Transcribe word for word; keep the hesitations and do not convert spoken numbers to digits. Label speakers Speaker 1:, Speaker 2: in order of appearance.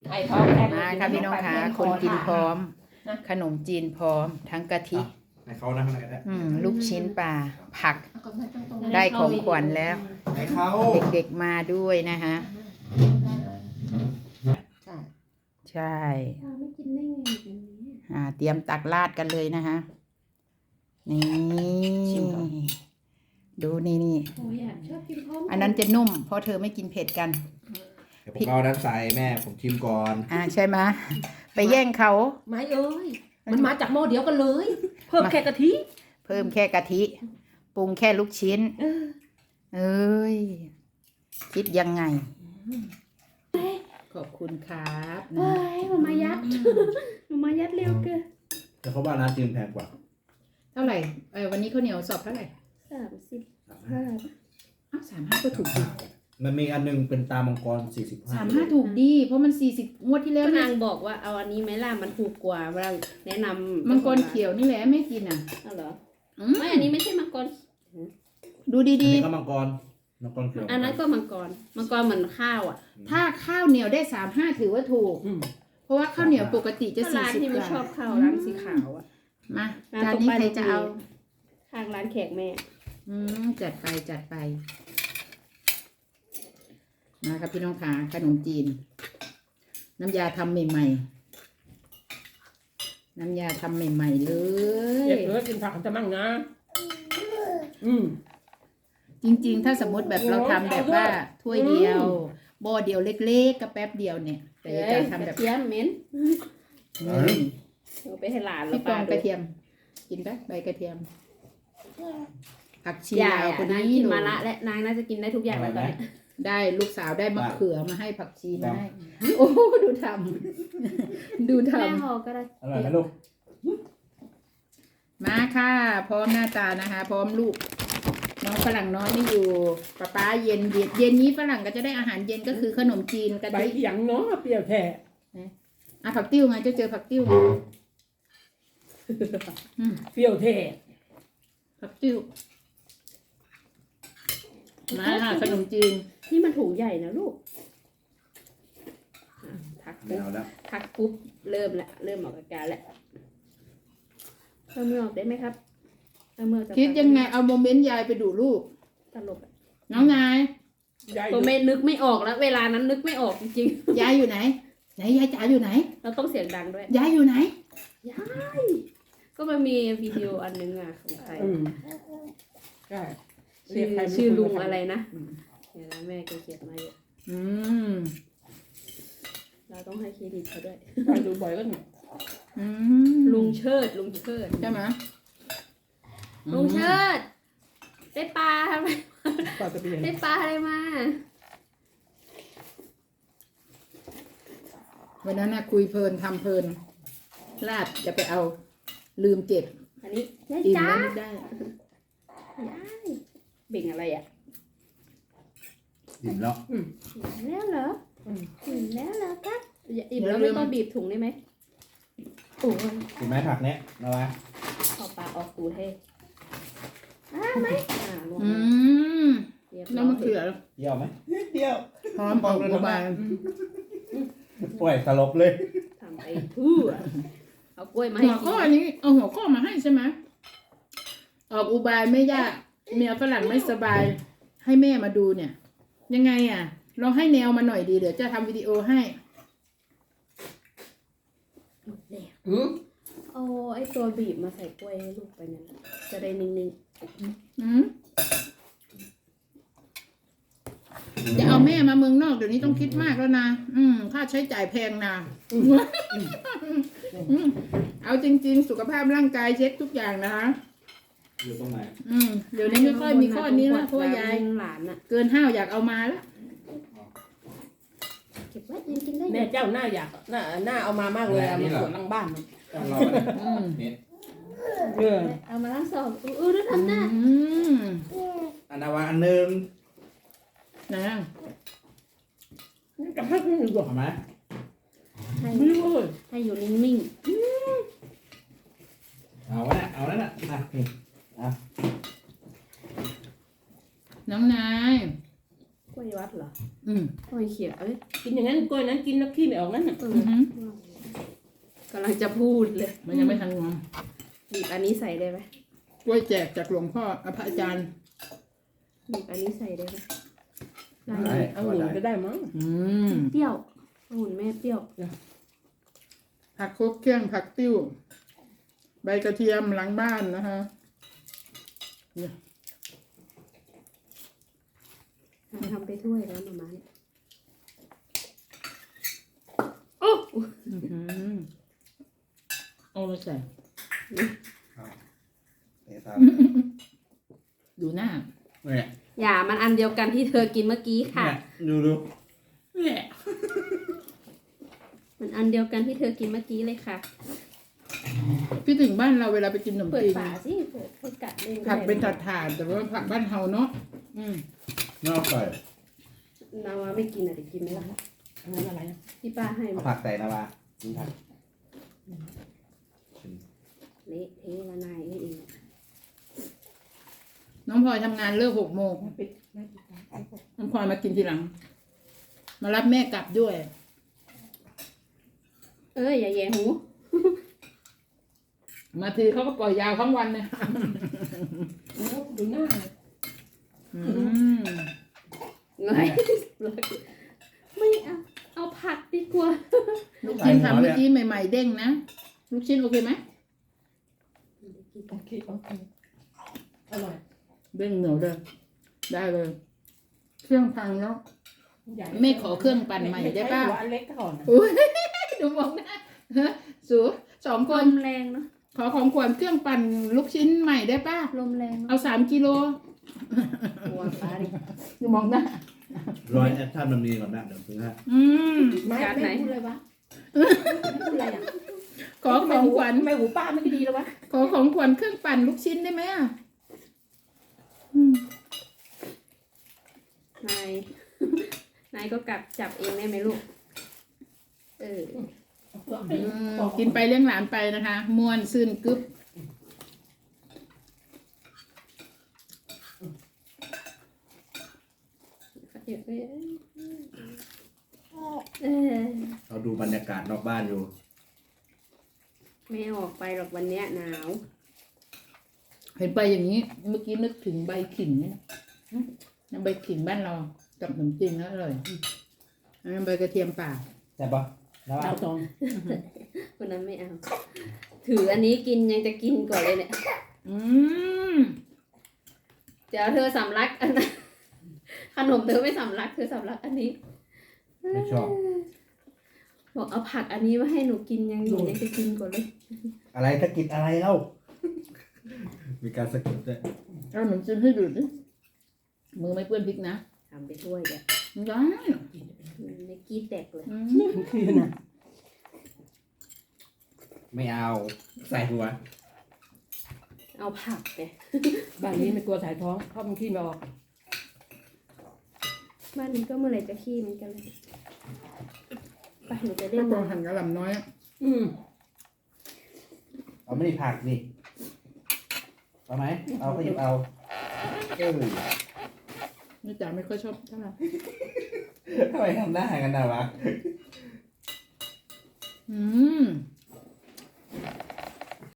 Speaker 1: ไอ้ท้องแรก
Speaker 2: มาค่ะพี่น้องค่ะคนกินพร้อม ขนมจีนพร้อม ทั้งกะทิ
Speaker 3: ให้เขานั่งอะไรก็ได้
Speaker 2: อืมลูกชิ้นปลาผักได้ของขวัญแล้ว
Speaker 3: ให้เขา
Speaker 2: เด็กๆมาด้วยนะคะใช่
Speaker 1: ไม่กินได้ไงแบบนี้
Speaker 2: อ่าเตรียมตักราดกันเลยนะคะนี่ดูนี่นี่
Speaker 1: โอ้ยอ่ะชอบกินพร้อม
Speaker 2: อันนั้นจะนุ่มเพราะเธอไม่กินเผ็ดกัน
Speaker 3: เดี๋ยวผมเอาด้านใส่แม่ผมชิมก่อน
Speaker 2: อ่าใช่ไหมไปแย่งเขา
Speaker 1: ไม่เอ้ยมันมาจากหม้อเดียวกันเลย เพิ่มแค่กะทิ
Speaker 2: เพิ่มแค่กะทิปรุงแค่ลูกชิ้น เอ้ยคิดยังไง ขอบคุณครับ
Speaker 1: เฮ้ยมันมายัดมันมายัดเร็วเกิน
Speaker 3: แต่เขาว่าร้านจีนแพงกว่า
Speaker 2: เท่าไหร่เออวันนี้ข้าวเหนียวสอบเท่าไหร่
Speaker 1: สามสิบห้า
Speaker 2: อ้าวสามห้าก็ถูกดี
Speaker 3: มันมีอันนึงเป็นตามังกรสี่สิบห้า
Speaker 2: สามห้าถูกดีเพราะมันสี่สิบงวดที่แล้ว
Speaker 1: ก็
Speaker 2: เนี่
Speaker 1: นาย งบอกว่าเอาอันนี้ไหมล่ะมันถูกกว่าเราแนะนำ
Speaker 2: มังกรเขียวนี่แหละไม่กินอ่ะ
Speaker 1: เอาเหรอ
Speaker 2: อืม
Speaker 1: ไม่อันนี้ไม่ใช่มังกร
Speaker 2: ดู
Speaker 3: อัน
Speaker 2: ดี
Speaker 3: นี้ก็มังกรมังกรเขียว
Speaker 1: อันนั้นก็มังกรมังกรเหมือนข้าวอ่ะ
Speaker 2: ๆ ถ้าข้าวเหนียวได้สามห้าถือว่าถูก เพราะว่าข้าวเหนียวปกติจะ
Speaker 1: ก็
Speaker 2: สี่
Speaker 1: ร้าน
Speaker 2: สิบ
Speaker 1: ที่
Speaker 2: ก
Speaker 1: ไม่
Speaker 2: ว่า
Speaker 1: ชอบข้าวร้านสีขาวอ่ะ
Speaker 2: มา
Speaker 1: ร้าน
Speaker 2: จาน
Speaker 1: ตรง
Speaker 2: นี้
Speaker 1: ป้าย
Speaker 2: ใคร
Speaker 1: รถ
Speaker 2: จะ
Speaker 1: เมล์
Speaker 2: เอา
Speaker 1: ข้างร้านแขกแม่
Speaker 2: อืมจัดไปจัดไปมาครับพี่น้องขาขนมจีน น้ำยาทำใหม่ๆน้ำยาทำใหม่ๆเล
Speaker 4: เด็
Speaker 2: ย
Speaker 4: กเหลือกินผักจะมั่งนะ อืม
Speaker 2: จริงๆ ถ้าสมมติแบบเราทำแบบว่าถ้วยเดียวบ่อเดียวเล็กๆก็แป๊บเดียวเนี่ย แต่
Speaker 1: เอ้
Speaker 2: จะ
Speaker 1: ย
Speaker 2: ทำ
Speaker 1: ก
Speaker 2: แบ
Speaker 1: ระ
Speaker 2: บ
Speaker 1: เทียมเหม็น
Speaker 2: นี่
Speaker 1: เอาไปให้หลานแล้
Speaker 2: พี่
Speaker 1: ว
Speaker 2: ปอง
Speaker 1: ดู
Speaker 2: กระเทียม กินปะใบกระเทียม ผักชี
Speaker 1: ยา
Speaker 2: ลาวย คน
Speaker 1: นาง
Speaker 2: นี้
Speaker 1: กิน
Speaker 2: หนู
Speaker 1: มาละและนางน่าจะกินได้ทุกอย่างแล้วตอนเนี้ย
Speaker 2: ได้ลูกสาวได้มะเขือมาให้ผักชีมาให้ โอ้ดูทำดูท
Speaker 1: แม่ห่อก็ได้
Speaker 3: อร่อยไหมลูก
Speaker 2: ำมาค่ะ พร้อมหน้าตานะคะ พร้อมลูก น้องฝรั่งน้อยไม่อยู่ป้าป้าเย็นเย็นเย็นนี้ฝรั่งก็จะได้อาหารเย็นก็คือขนมจีนกะ
Speaker 4: ใบ
Speaker 2: ทิ
Speaker 4: เอียงเนาะเปรี้ยวแท้
Speaker 2: อ่ะผักติ้วไงเจะเจอผักติ้วไงอืม
Speaker 4: เปรี้ยวแท้
Speaker 2: ผักติ้วมาค่ะขนมจีน
Speaker 1: นี่มันถุงใหญ่นะลูกอ่ะทัก
Speaker 3: ไม่
Speaker 1: ปุ๊บ
Speaker 3: เอาแล้ว
Speaker 1: ทักปุ๊บเริ่มละเริ่มออกอาการแล้วเพิ่มมือออกได้ไหมครับเพิ่มมือออกจาก
Speaker 2: คิดยังไงเอาโมเมนต์ยายไปดูลูก
Speaker 1: ตลกอะ
Speaker 2: น้องนาย
Speaker 4: ยาย
Speaker 1: ผมไม่นึกไม่ออกแล้ว เวลานั้นนึกไม่ออกจริง
Speaker 2: ยายอยู่ไหนไหนยายจ๋าอยู่ไหน
Speaker 1: ๆ เราต้องเสียงดังด้วย
Speaker 2: ยายอยู่ไหน
Speaker 1: ยาย ก็มันมีวิดีโออันนึงอ่ะของใคร
Speaker 4: อืมใช่
Speaker 1: ชื่อชื่อลุงอะไรนะเดี๋ยวนะแม่แกเขียนมาเยอะ
Speaker 2: อืม
Speaker 1: เราต้องให้เครดิตเขาด้วย
Speaker 4: ไปดูบ่อยก็เนี่ย
Speaker 2: อืม
Speaker 1: ลุงเชิด ลุงเชิด
Speaker 2: ใช่ไหม
Speaker 1: ลุงเชิด ได้ปลาทำไม
Speaker 4: ปลาตะเพียน
Speaker 1: ได้ปลาอะไรมา
Speaker 2: วันนั้นนะคุยเพลินทำเพลินลาดจะไปเอาลืมเก็บ
Speaker 1: อันนี้ยาย
Speaker 2: อิ่ม
Speaker 1: จ้า
Speaker 2: แล้วนึกได้
Speaker 1: ยายเบ่งอะไรอ่ะ
Speaker 3: อิ่มแล้ว
Speaker 1: อิ่มแล้วเหรออิ่มแล้วเหรอครับอย่าอิ่มแล้วไม่ต้องบีบถุงได้ไหมโอ้ย
Speaker 3: กินไหมผักเนี้ยนะวะ
Speaker 1: เอาปลาออกตูดให้อ่าไหมอ่าลง
Speaker 2: อื
Speaker 1: มาม เรียบร้
Speaker 2: น้ำมะ
Speaker 1: อย
Speaker 2: เขือ
Speaker 3: เดียวไหมนิดเดียว
Speaker 2: พร้อมออกอุบาย
Speaker 3: ปล่อยสลบเลย
Speaker 1: ทำไปทั่วเอากล้วยมาให้
Speaker 2: หัว
Speaker 1: กิ
Speaker 2: ข้อน นี้เอาหัวข้อมาให้ใช่ไหมออกอุบายไม่ยากเมียฝรั่งไม่สบาย ให้แม่มาดูเนี่ย ยังไงอ่ะลองให้แนวมาหน่อยดีเดี๋ยวจะทำวิดีโอให้
Speaker 4: อืม
Speaker 1: เอาไอ้ตัวบีบมาใส่กล้วยให้ลูกไปนั่นจะได้นิ่ง
Speaker 2: อืมจะเอาแม่มาเมืองนอกเดี๋ยวนี้ต้องคิดมากแล้วนะอืมค่าใช้จ่ายแพงนะอืมเอาจริง ๆ สุขภาพร่างกายเช็คทุกอย่างนะคะ
Speaker 3: อยู่ตรงไหน
Speaker 1: ๆ
Speaker 2: อืมเดี๋ยวนี้ไม่ค่อยมีข้อนี้แล้วเพราะว่ายาย
Speaker 1: หลานอะ
Speaker 2: เกินห้าวอยากเอามาแล้ว
Speaker 1: เก็บไว้ยังกินได้อ
Speaker 4: แม่
Speaker 1: ยู่
Speaker 4: เจ้าหน้าอยากหน้าหน้าเอามามากเลยเอามาสวนหลังบ้าน
Speaker 3: ต้องรอไป
Speaker 2: อืม
Speaker 3: เนี่ย
Speaker 4: เออ
Speaker 1: เอามาล้างสอบอู้อู้ดูทำหน้า
Speaker 2: อืม
Speaker 3: อันนาวาอันหนึ่ง
Speaker 2: นะ
Speaker 4: กับพักนี่ดีกว่า
Speaker 3: เอาไหม
Speaker 1: ให้
Speaker 4: ไม่รู้เลย
Speaker 1: ให้อยู่นิ่ง
Speaker 3: เอาวะเนี่ยเอาแล้วน่ะอ่ะนี่อ่ะ
Speaker 2: น้องนาย
Speaker 1: ๆล้วยวัดเหรอ
Speaker 2: อืม
Speaker 1: กล้วยเขียวเอ้ย
Speaker 4: กินอย่างนั้นกล้วยนั้นกินแล้วขี้ไม่ออกนั่นน่ะ
Speaker 1: เออ
Speaker 2: อือหือก
Speaker 1: ำลังจะพูดเลย
Speaker 2: มันยังไม่ทันงอม
Speaker 1: บีบอันนี้ใส่ได้ไหม
Speaker 2: กล้วยแจกจากหลวงพ่ออภอาจารย์
Speaker 1: บีบอันนี้ใส่ได้ไหมได้
Speaker 3: ได้
Speaker 4: เอาหุ่นก็ได้มั้ง
Speaker 2: อืม
Speaker 1: เปรี้ยวองุ่นแม่เปรี้ยว
Speaker 2: ผักครบเครื่องผักติ้ว ใบกระเทียมหลังบ้านนะคะ
Speaker 1: ทำไปถ้วยแล้วมาม่าเนี่ยโอ้
Speaker 2: อื้อหือเอามาใส่
Speaker 3: เตะตาม
Speaker 2: ดูหน้า
Speaker 3: เนี่ย
Speaker 1: อย่ามันอันเดียวกันที่เธอกินเมื่อกี้ค่ะ
Speaker 3: เนี่ยดูดู
Speaker 2: เนี่ย
Speaker 1: มันอันเดียวกันที่เธอกินเมื่อกี้เลยค่ะ
Speaker 2: พี่ถึงบ้านเราเวลาไปกินขนม
Speaker 1: เปิด
Speaker 2: จีน
Speaker 1: ฝาสิเปิดให้กัดเล่น
Speaker 2: ผักเป็นถาดถาดๆแต่ว่าผักบ้านเฮาเนาะอืม
Speaker 3: นอกใส่
Speaker 1: นาวาไม่กินอ่ะเดี๋ยวกินไหมล่ะ
Speaker 4: อันนั้นอะไรอ่ะ
Speaker 1: ที่ป้าให้
Speaker 3: เอา
Speaker 1: มา
Speaker 3: ผักใส่นะวะกินผัก
Speaker 1: เละเทะละนายเอง
Speaker 2: น้องพลอยทำงานเลิกหกโมง
Speaker 4: ปิดไม่ปิดนะ
Speaker 2: น้องพลอยมากินทีหลัง มารับแม่กลับด้วย
Speaker 1: เอ้ยอย่าแย่หู
Speaker 2: มาทีเขาก็ปล่อยยาวทั้งวันเนี่ย
Speaker 4: โอ้ดูหน้า
Speaker 2: อืม
Speaker 1: เงยไม่เอาเอาผักดีกว่า
Speaker 2: ลูกชิ้นทำเมื่อกี้ใหม่ๆเด้งนะ ลูกชิ้นโอเคไหม
Speaker 4: โอเคโอเคอร่อย
Speaker 2: เด้งเหนียวเลยได้เลย เครื่องพังแล้ว
Speaker 4: ใหญ่
Speaker 2: ไม่ขอเครื่องปั่นใหม่ได้ป่ะ
Speaker 4: ใช้หัวอันเล็กก่อนนะ
Speaker 2: อุ้ยดูมองหน้าฮะสูสองค
Speaker 1: ล
Speaker 2: น
Speaker 1: มแรงเนาะ
Speaker 2: ขอของขวัญเครื่องปั่นลูกชิ้นใหม่ได้ป่ะ
Speaker 1: ลมแรง
Speaker 2: เอาสามกิโล
Speaker 1: หัวป้าดิ
Speaker 2: ดูมองหน้าร
Speaker 3: อยแอคชั่นมันมีก่อนนะเดี๋ยวซื้อให้
Speaker 2: อืม
Speaker 4: ไม่
Speaker 1: การไหน
Speaker 4: ไม่พูดเลยวะไม่พูดอะไรอ่ะ
Speaker 2: ขอของขวัญ
Speaker 4: ทำไมหูป้าไม่ดีแล้ววะ
Speaker 2: ขอของขวัญเครื่องปั่นลูกชิ้นได้ไหมอ่ะอืม
Speaker 1: นาย นายก็กลับจับเองได้ไหมลูก เออ
Speaker 2: อืมกินไปเลี้ยงหลานไปนะคะม่วนซื่นกึ๊บ
Speaker 1: เออ
Speaker 3: เราดูบรรยากาศนอกบ้านอยู่
Speaker 1: ไม่ออกไปหรอกวันเนี้ยหนาว
Speaker 2: เห็นไปอย่างนี้ เมื่อกี้นึกถึงใบขิงเนี่ยนะใบขิงบ้านเรากับขนมจีนแล้วอร่อยอันนั้นใบกระเทียมป่า
Speaker 3: ใช่ปะแล้ว
Speaker 4: ดาวตอง
Speaker 1: คนนั้นไม่เอา ถืออันนี้กินยังจะกินก่อนเลยเนี่ย
Speaker 2: อืม
Speaker 1: เดี๋ยวเธอสำลักอันนั้นขนมเธอไม่สำลัก เธอสำลักอันนี้
Speaker 3: ไม่ชอบ
Speaker 1: บอกเอาผักอันนี้มาให้หนูกินยังหนูยังจะกินก่อนเลย
Speaker 3: อะไรสะกิดอะไรเล่า มีการสะกิดด้วย
Speaker 2: เอาขนมจีนให้ดูดิมือไม่เปื้อนพริกนะ
Speaker 1: ทำไปถ้วยเดี๋ยว
Speaker 2: ได้
Speaker 1: ไม่กี้แตกเลย
Speaker 2: อืม
Speaker 4: คือน่ะ
Speaker 3: ไม่เอา ใส่หัว
Speaker 1: เอาผักไง
Speaker 4: บ้านนี้ไม่กลัวสายท้องเพราะมันขี้ไม่ออก
Speaker 1: บ้านนี้ก็เมื่อไหร่จะขี้เหมือนกันเลยไปหนูจะเล่
Speaker 2: ก็
Speaker 1: น
Speaker 2: พอ
Speaker 1: น้ำ
Speaker 2: หั่นกระหล่ำน้อยอะ
Speaker 4: อืม
Speaker 3: เอาไม่ได้ผักนี่เอาไหมเอาก็หยิบเอาเออ
Speaker 2: นี่จ๋าไม่ค่อยชอบเท่าไหร่
Speaker 3: ทำไมทำหน้ากันนะวะ
Speaker 2: อืม